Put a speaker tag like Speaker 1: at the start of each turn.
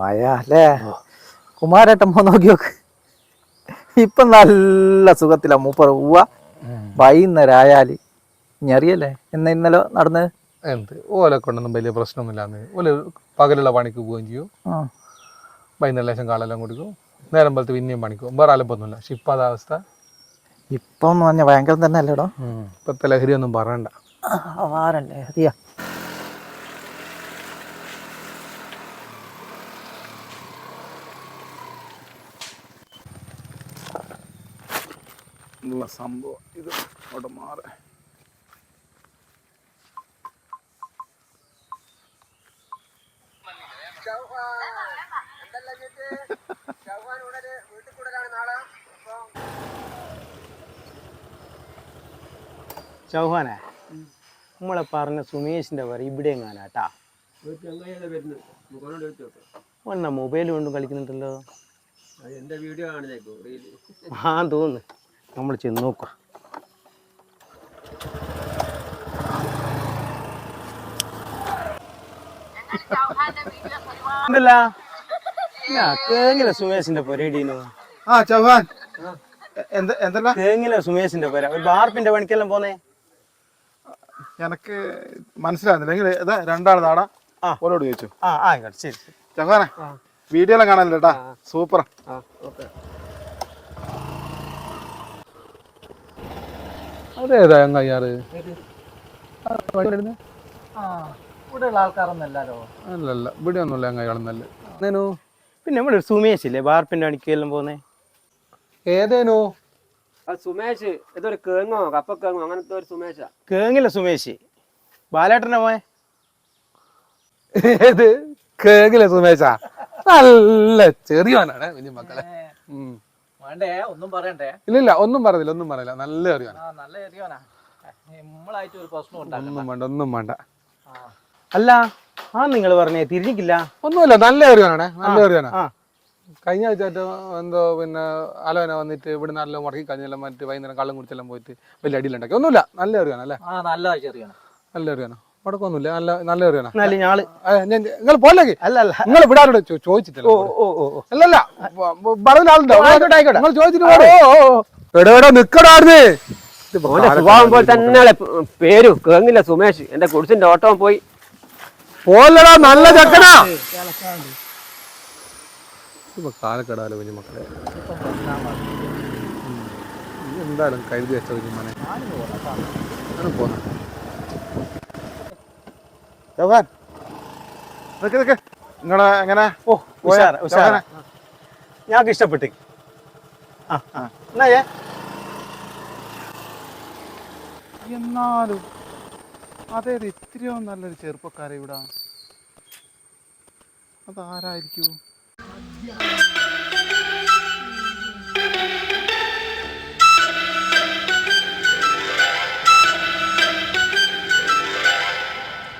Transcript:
Speaker 1: മഴ അല്ലേ? കുമാരേട്ടൻ നോക്കി നോക്ക്. ഇപ്പൊ നല്ല സുഖത്തിലാ മൂപ്പർ പോവാ. വൈകുന്നേരം ആയാല് ഇനി അറിയല്ലേ ഇന്നലെ നടന്നത്.
Speaker 2: എന്ത് ഓലെ കൊണ്ടൊന്നും വലിയ പ്രശ്നമൊന്നുമില്ലാന്ന്. ഓല് പകലുള്ള പണിക്ക് പോവുകയും ചെയ്യും, വൈകുന്നേരം ലേശം കാളെല്ലാം കുടിക്കും, നേരം പോലത്തെ പിന്നെയും പണിക്കും, വേറെ അലപ്പൊന്നുമില്ല. പക്ഷെ ഇപ്പം അതവസ്ഥ.
Speaker 1: ഇപ്പം പറഞ്ഞ ഭയങ്കരം തന്നെ അല്ലേടോ.
Speaker 2: ഇപ്പത്തെ ലഹരി ഒന്നും പറയണ്ട.
Speaker 1: ലഹരിയാ.
Speaker 2: സംഭവം ഇത് അവിടെ മാറി.
Speaker 3: ചൗഹാനെ, നമ്മളെ പറഞ്ഞ സുമേഷിന്റെ പേര് ഇവിടെ എങ്ങാനാട്ടാ. ഒന്ന മൊബൈൽ കൊണ്ടും കളിക്കുന്നുണ്ടല്ലോ. ആ തോന്നുന്നു. നമ്മൾ ചെന്ന് നോക്കാം. കേങ്ങില സുമേഷിന്റെ പൊരേടീനു.
Speaker 2: ചൗഹാൻ
Speaker 3: കേങ്ങില സുമേഷിന്റെ പേര ഒരു ബാർപ്പിന്റെ പണിക്കെല്ലാം പോന്നേ.
Speaker 2: എനക്ക് മനസ്സിലാകുന്നില്ല. രണ്ടാൾ നാടാ ഓരോട് ചോദിച്ചു.
Speaker 3: ആയിക്കോട്ടെ, ശരി.
Speaker 2: ചൗഹാനെ വീഡിയോ എല്ലാം കാണാനില്ലേട്ടാ, സൂപ്പറാ. അതേതാ അയ്യാറ്?
Speaker 1: ഇവിടെയുള്ള ആൾക്കാരൊന്നല്ലോ.
Speaker 2: അല്ലല്ല, ഇവിടെ ഒന്നുമില്ല അങ്ങയാളെന്നല്ല.
Speaker 3: പിന്നെ നമ്മുടെ ഒരു സുമേഷ് ഇല്ലേ ബാർപ്പിന്റെ പണിക്കെല്ലാം പോന്നേ?
Speaker 2: ഏതേനു?
Speaker 4: സുമേഷ് ഇതൊരു കേങ്ങോ കപ്പക്കേങ്ങോ അങ്ങനത്തെ ഒരു സുമേഷാ.
Speaker 3: കേങ്ങില്ല സുമേഷ്, ബാലേട്ടനെ പോയെ.
Speaker 2: ഏത് കേങ്ങില്ല സുമേഷാ? നല്ല ചെറിയവനാണ് കുഞ്ഞു മക്കളെ.
Speaker 1: വേണ്ടേ ഒന്നും പറയണ്ടേ?
Speaker 2: ഇല്ലില്ല, ഒന്നും പറയില്ല. നല്ല ചെറിയവനാ.
Speaker 1: നല്ല ചെറിയവനാ. നമ്മളായിട്ട് ഒരു പ്രശ്നം
Speaker 2: ഒന്നും വേണ്ട.
Speaker 3: അല്ല, നിങ്ങൾ പറഞ്ഞേ തിരിഞ്ഞിക്കില്ല.
Speaker 2: ഒന്നുമില്ല, നല്ല ചെറിയവനാണ്. നല്ല ചെറിയവനാ. കഴിഞ്ഞ ആഴ്ച എന്തോ പിന്നെ അലോന വന്നിട്ട് ഇവിടെ നല്ല മുടക്കി കഴിഞ്ഞെല്ലാം മറ്റു വൈകുന്നേരം കള്ളം കുടിച്ചെല്ലാം പോയിട്ട് വലിയ അടിയിലുണ്ടാക്കി. ഒന്നുമില്ല, നല്ല ചെറിയാനല്ലേ.
Speaker 1: നല്ല ചെറിയാണ്.
Speaker 2: നല്ല ചെറിയാനോ? മുടക്കൊന്നുമില്ല, നല്ല ചെറിയാനാ.
Speaker 3: നിങ്ങൾ
Speaker 2: പോലെ അല്ല നിങ്ങൾ ഇവിടെ ആരോട് ചോദിച്ചിട്ടില്ല. അല്ലല്ല, ആളുണ്ടോ? നിങ്ങൾ ചോദിച്ചിട്ട് നിക്കടാർന്ന്.
Speaker 4: സ്വഭാവം പോലെ തന്നെ പേരും കേങ്ങില്ല സുമേഷ്. എന്റെ കുടിച്ചിന്റെ ഓട്ടം പോയി
Speaker 2: പോലടാ, നല്ല ചെക്കനാ. ഇപ്പൊ കാലക്കെടാലോ കുഞ്ഞു മക്കളെ. എന്തായാലും കരുതി വെച്ച കുഞ്ഞുമോനെ പോന്ന. നിങ്ങളെ എങ്ങനെ?
Speaker 3: ഞങ്ങൾക്ക് ഇഷ്ടപ്പെട്ടു.
Speaker 2: എന്നാലും അതേത് ഇത്രയോ നല്ലൊരു ചെറുപ്പക്കാരെ ഇവിടെ അതാരായിരിക്കൂ?